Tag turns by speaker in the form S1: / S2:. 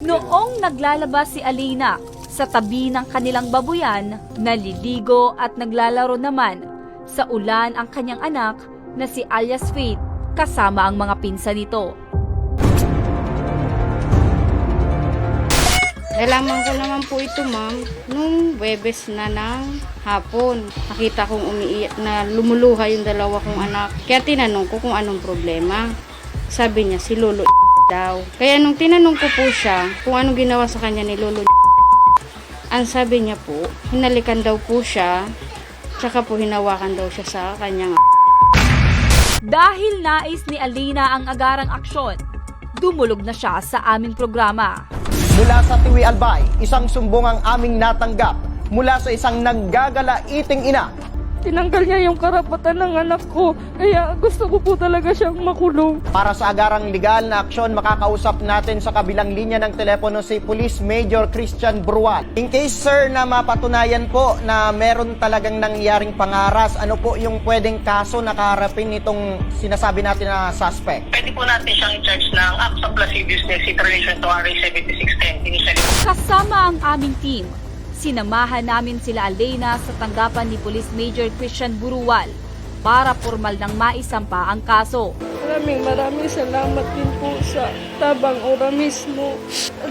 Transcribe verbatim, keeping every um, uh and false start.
S1: Noong naglalabas si Alina sa tabi ng kanilang babuyan, naliligo at naglalaro naman sa ulan ang kanyang anak na si alias Faith kasama ang mga pinsan nito.
S2: Nalaman ko naman po ito, ma'am, nung Webes na ng hapon. Nakita kong umiiyak na lumuluha yung dalawa kong anak. Kaya tinanong ko kung anong problema. Sabi niya, si Lolo daw. Kaya nung tinanong ko po siya kung anong ginawa sa kanya ni Lolo, ang sabi niya po, hinalikan daw po siya, tsaka po hinawakan daw siya sa kanyang.
S1: Dahil nais ni Alina ang agarang aksyon, dumulog na siya sa aming programa.
S3: Mula sa Tiwi Albay, isang sumbong ang aming natanggap mula sa isang naggagalaiting ina.
S4: Tinanggal niya yung karapatan ng anak ko, kaya gusto ko po talaga siyang makulong.
S3: Para sa agarang legal na aksyon, makakausap natin sa kabilang linya ng telepono si Police Major Christian Brual. In case, sir, na mapatunayan po na meron talagang nangyaring pangaras, ano po yung pwedeng kaso na kaharapin nitong sinasabi natin na suspect?
S5: Pwede po natin siyang i-charge ng acts of lasciviousness in relation to R A seventy-six ten initially.
S1: Kasama ang aming team, sinamahan namin sila Alina sa tanggapan ni Police Major Christian Burual para formal nang maisampa ang kaso.
S4: Maraming maraming salamat din po sa Tabang Ora mismo.